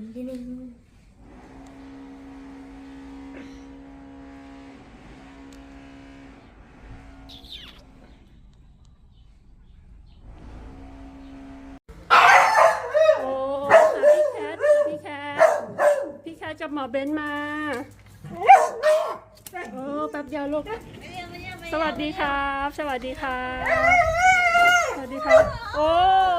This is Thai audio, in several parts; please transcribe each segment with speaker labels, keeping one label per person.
Speaker 1: ทีนึง
Speaker 2: พี่แคทกับหมอเบนมาโอ้แป๊บเดียวลูกสวัสดีครับสวัสดีครับสวัสดีครับโอ้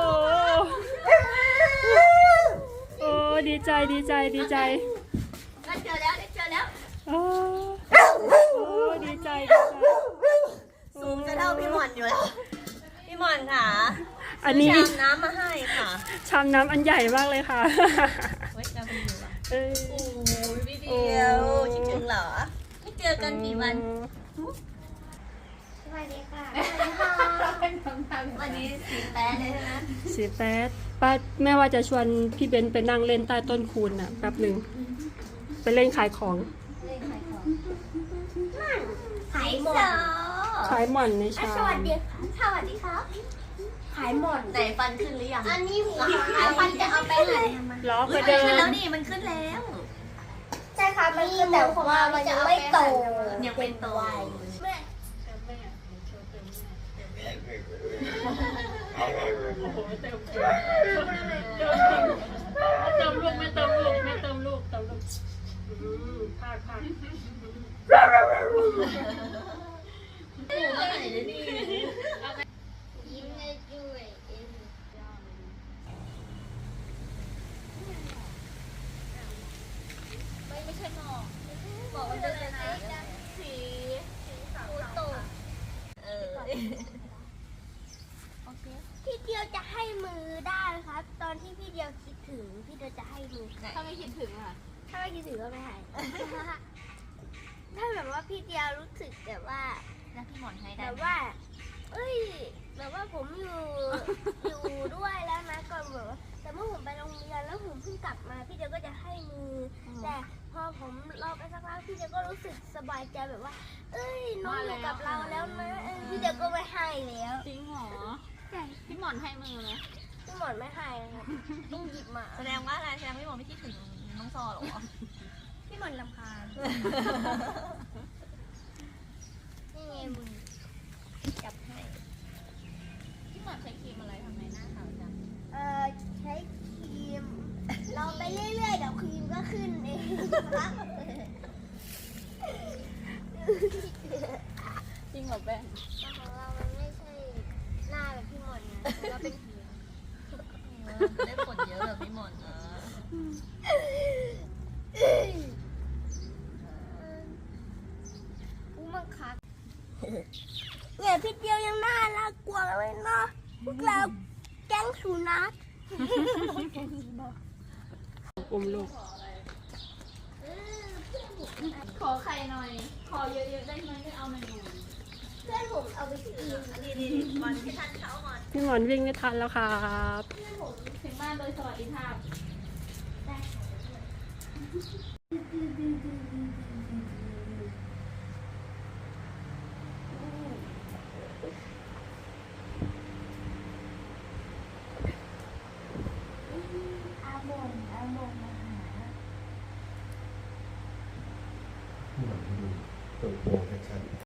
Speaker 2: โอ้ดีใจดีใจดีใจ
Speaker 1: ได้เจอแล้วได้เจอแล้ว
Speaker 2: โอ้โอ้ดีใจดีใจ
Speaker 1: สูงจะเท่าพี่หมอนอยู่แล้วพี่หมอนค่ะ
Speaker 2: อันนี้
Speaker 1: ชามน้ำมาให้ค่ะ
Speaker 2: ชามน้ำอันใหญ่มากเลยค่ะ
Speaker 1: ไว้จะไปอยู่อ่ะ
Speaker 2: โ
Speaker 1: อ้ยพี่เดียวคิดถึงเหรอไม่เจอกันกี่วันสวัสดีค่ะวันนี้สีแป๊ดเลยใช่ไหม
Speaker 2: สีแป๊ดป้าแม่ว่าจะชวนพี่เบนไปนั่งเล่นใต้ต้นคูนน่ะแป๊บหนึ่งไปเล่นขายของ
Speaker 1: ขายหมอน
Speaker 2: ขายหม่อนในชา
Speaker 1: สวัสดีค่ะสวัสดีครับขายหมอนไหนฟันขึ้นหรือยังอันนี้ฟันจะเอาไปไหน
Speaker 2: ล้อไปเดิน
Speaker 1: แล้วนี่มันขึ้นแล้วใช่ค่ะมันขึ้นแต่ว่ามันยังไม่โตยังเป็นโต
Speaker 2: เติมลูกไม่เติมลูกไม่เติมลูกเติมลูกพาก
Speaker 1: ยิ้มได้ด้วยไม่ใช่หมอกบอกว่าจะเป็นสีขาวโตพี่เดียวจะให้มือได้ครับตอนที่พี่เดียวคิดถึงพี่เดียวจะให้มือถ้าไม่คิดถึงอ่ะถ้าไม่คิดถึงก็ไม่ให้ถ้าแบบว่าพี่เดียวรู้สึกแบบว่าแล้วพี่หมอนให้ได้แบบว่าเอ้ยแบบว่าผมอยู่ด้วยแล้วนะก่อนแบบว่าแต่เมื่อผมไปโรงเรียนแล้วผมเพิ่งกลับมาพี่เดียวก็จะให้มือแต่พอผมรอไปสักพักพี่เดียวก็รู้สึกสบายใจแบบว่าเอ้ยน้องอยู่กับเราแล้วนะพี่เดียวก็ไม่ให้แล้ว
Speaker 3: จริงเหรอพี่หมอนให้มือไหม
Speaker 1: พี่หมอนไม่ให้นะครับต้องหยิบมาแสดงว่าอะไรแสดงพี่หมอนไม่คิดถึงน้องซอหรอพี่หมอนรำคาญนี่ไงมือจับให้
Speaker 3: พี่หมอนใช้ครีมอะไรทำไมหน้าขาวจัง
Speaker 1: ใช้ครีมเราไปเรื่อยๆเดี๋ยวครีมก็ขึ้นเอง
Speaker 3: จริงเหรอแป้ง
Speaker 1: ของเรามันไม่ใช่หน้าแบบพี่หมอนนะเราเป็นผิวได้ผลเยอะแบบพี่หมอนนะมังคัดเนี่ยพี่เดียวยังน่ารักกว่าเลยเนาะพวกเราแก๊งสุนัข
Speaker 2: อุ้มลูก
Speaker 3: ขอไข่หน่อยขอเยอะๆได้ไหมไม่เอาเมนู
Speaker 1: เพื่อนผมเอาไปกินนี่มันพี่ทันเขาก่อน
Speaker 2: พี่หมอนวิ่งไม่ทันแล้วครับ
Speaker 3: ถึงบ้านโดยสวัสดิภาพ
Speaker 1: อาโมงมาหา
Speaker 4: ตัวโปรแฟชั่น